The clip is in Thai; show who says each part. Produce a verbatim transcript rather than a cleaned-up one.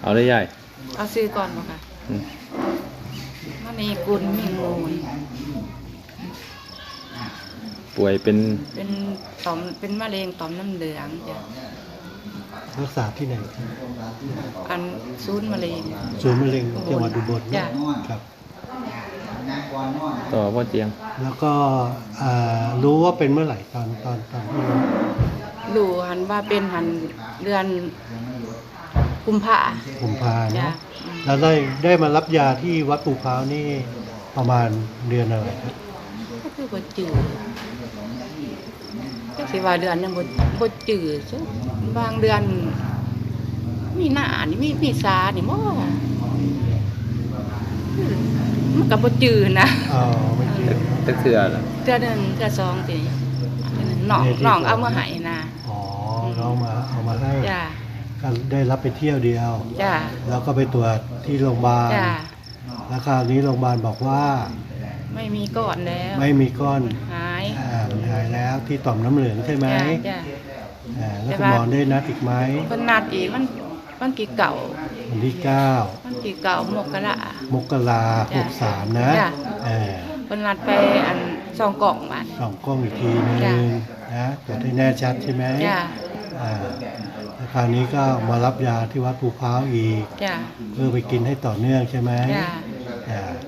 Speaker 1: เอาได้ยาย
Speaker 2: เอาซื้อก่อนบ่ค่ะ
Speaker 1: อืม
Speaker 2: มณีกุลมิ่งมูล
Speaker 1: ป่วยเป็น
Speaker 2: เป็นต่อมเป็นมะเร็งต่อมน้ำเหลืองจ้ะ
Speaker 3: รักษาที่ไหนครับ
Speaker 2: อันศูนย์มะเร็ง
Speaker 3: ศูนย์มะเร็งจังหวัดอุบล
Speaker 2: จ้ะ
Speaker 3: ครับ
Speaker 1: ต่อพ่อเจียง
Speaker 3: แล้วก็อ่ารู้ว่าเป็นเมื่อไหร่ตอนตอนตอนที่รู้
Speaker 2: รู้หันว่าเป็นหันเดือนกุมภา
Speaker 3: ผมพา
Speaker 2: จ้ะ
Speaker 3: เนาะ
Speaker 2: อืม
Speaker 3: แล้วได้ได้มารับยาที่วัดปูพร้าวนี่ประมาณเดือนอะไรครับ
Speaker 2: ก็คือบ่จืดจักสิว่าเดือนนึงบ่บ่จืดซุบางเดือน มีหน้านี่มีมีสานี่บ่มันก็บ่จืดนะ
Speaker 3: อ๋อไม่เกี่ยว
Speaker 1: ตะเถื่อล่ะ
Speaker 2: เทื่อหนึงเทื่อสองติน้องน้องเอามาให้นะ
Speaker 3: อ๋อเรามาเอามาให้
Speaker 2: จ้ะ
Speaker 3: ก็ได้รับไปเที่ยวเดียว
Speaker 2: จ้ะ
Speaker 3: แล้วก็ไปตรวจที่โรงพยาบาล
Speaker 2: จ้ะ
Speaker 3: แล้วคราวนี้โรงพยาบาลบอกว่า
Speaker 2: ไม่มีก่อนแล้ว
Speaker 3: ไม่มีก้อน
Speaker 2: หาย
Speaker 3: อ่ามันหายแล้วที่ต่อมน้ำเหลืองใช่ไหม
Speaker 2: จ้ะจ้ะ
Speaker 3: อ่าแล้ว
Speaker 2: แต่
Speaker 3: คุณ
Speaker 2: ว่า
Speaker 3: หมอได้นัดอีกไหม
Speaker 2: เพิ่นนัดอีกมันมันกี่เก่า
Speaker 3: วันที่เก้า
Speaker 2: มันกี่เก่ามกรา
Speaker 3: มกราห
Speaker 2: จ้ะ
Speaker 3: กสามนะ
Speaker 2: จ้ะ
Speaker 3: เออ
Speaker 2: เพิ่นนัดไปอันซองกล่องบัด
Speaker 3: สองกล้องอีกทีนึ
Speaker 2: จ้ะ
Speaker 3: งนะตรวจให้แน่ชัดใช่ไหม
Speaker 2: จ้ะ
Speaker 3: อ่าแล้วคราวนี้ก็มารับยาที่วัดภูพร้าวอีก
Speaker 2: จ้ะ
Speaker 3: เพื่อไปกินให้ต่อเนื่องใช่ไหม
Speaker 2: จ้ะ
Speaker 3: อ่า